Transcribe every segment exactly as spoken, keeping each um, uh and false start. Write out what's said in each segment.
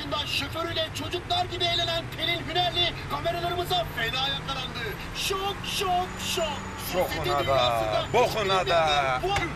başında şoförüyle çocuklar gibi eğlenen Pelin Hünerli kameralarımıza fena yakalandı. Şok, şok, şok. Şokuna da, bokuna da.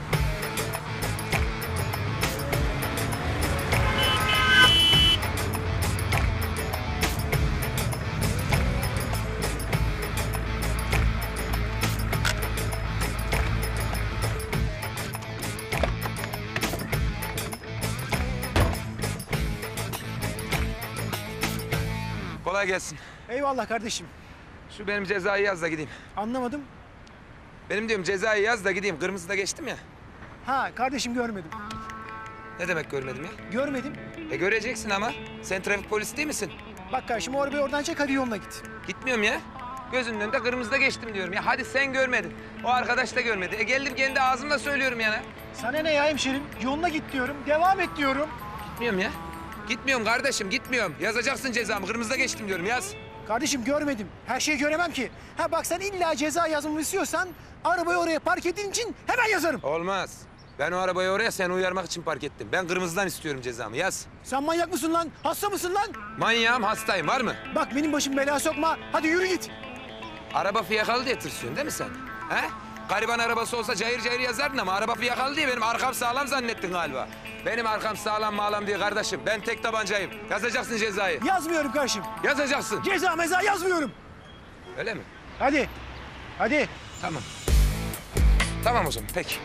Kolay gelsin. Eyvallah kardeşim. Şu benim cezayı yaz da gideyim. Anlamadım. Benim diyorum cezayı yaz da gideyim. Kırmızıda geçtim ya. Ha kardeşim görmedim. Ne demek görmedim ya? Görmedim. E göreceksin ama. Sen trafik polisi değil misin? Bak kardeşim o arabayı oradan çek hadi yoluna git. Gitmiyorum ya. Gözünün önünde kırmızıda geçtim diyorum ya. Hadi sen görmedin. O arkadaş da görmedi. E geldim kendi ağzımla söylüyorum yani. Sana ne ya hemşerim? Yoluna git diyorum. Devam et diyorum. Gitmiyorum ya. Gitmiyorum kardeşim gitmiyorum. Yazacaksın cezamı. Kırmızıda geçtim diyorum yaz. Kardeşim görmedim. Her şeyi göremem ki. Ha bak sen illa ceza yazmamı istiyorsan arabayı oraya park ettiğin için hemen yazarım. Olmaz. Ben o arabayı oraya seni uyarmak için park ettim. Ben kırmızıdan istiyorum cezamı yaz. Sen manyak mısın lan? Hasta mısın lan? Manyağım hastayım var mı? Bak benim başım belaya sokma. Hadi yürü git. Araba fiyakalı diye tırsıyorsun değil mi sen? He? Gariban arabası olsa cayır cayır yazardın ama araba fiyakalı diye benim arkam sağlam zannettin galiba. Benim arkam sağlam mağlam diye kardeşim. Ben tek tabancayım. Yazacaksın cezayı. Yazmıyorum kardeşim. Yazacaksın. Ceza meza yazmıyorum. Öyle mi? Hadi. Hadi. Tamam. Tamam o zaman peki.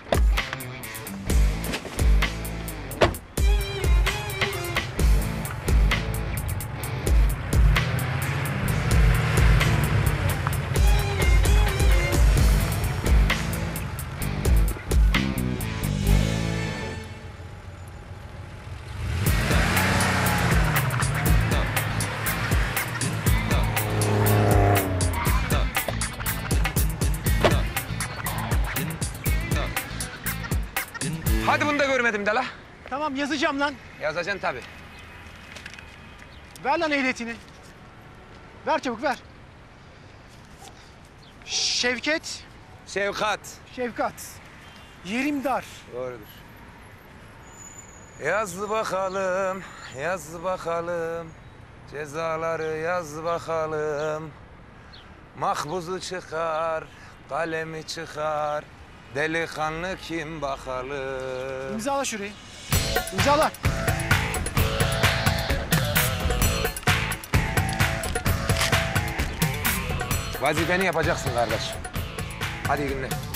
Hadi bunu da görmedim de la. Tamam yazacağım lan. Yazacaksın tabii. Ver lan ehliyetini. Ver çabuk ver. Şevket, Şevkat. Şefkat. Yerim dar. Doğrudur. Yaz bakalım, yaz bakalım. Cezaları yaz bakalım. Mahbuzu çıkar, kalemi çıkar. Delikanlı kim bakalım. İmzala şurayı. İmzala. Vazifeni yapacaksın kardeş. Hadi iyi günler.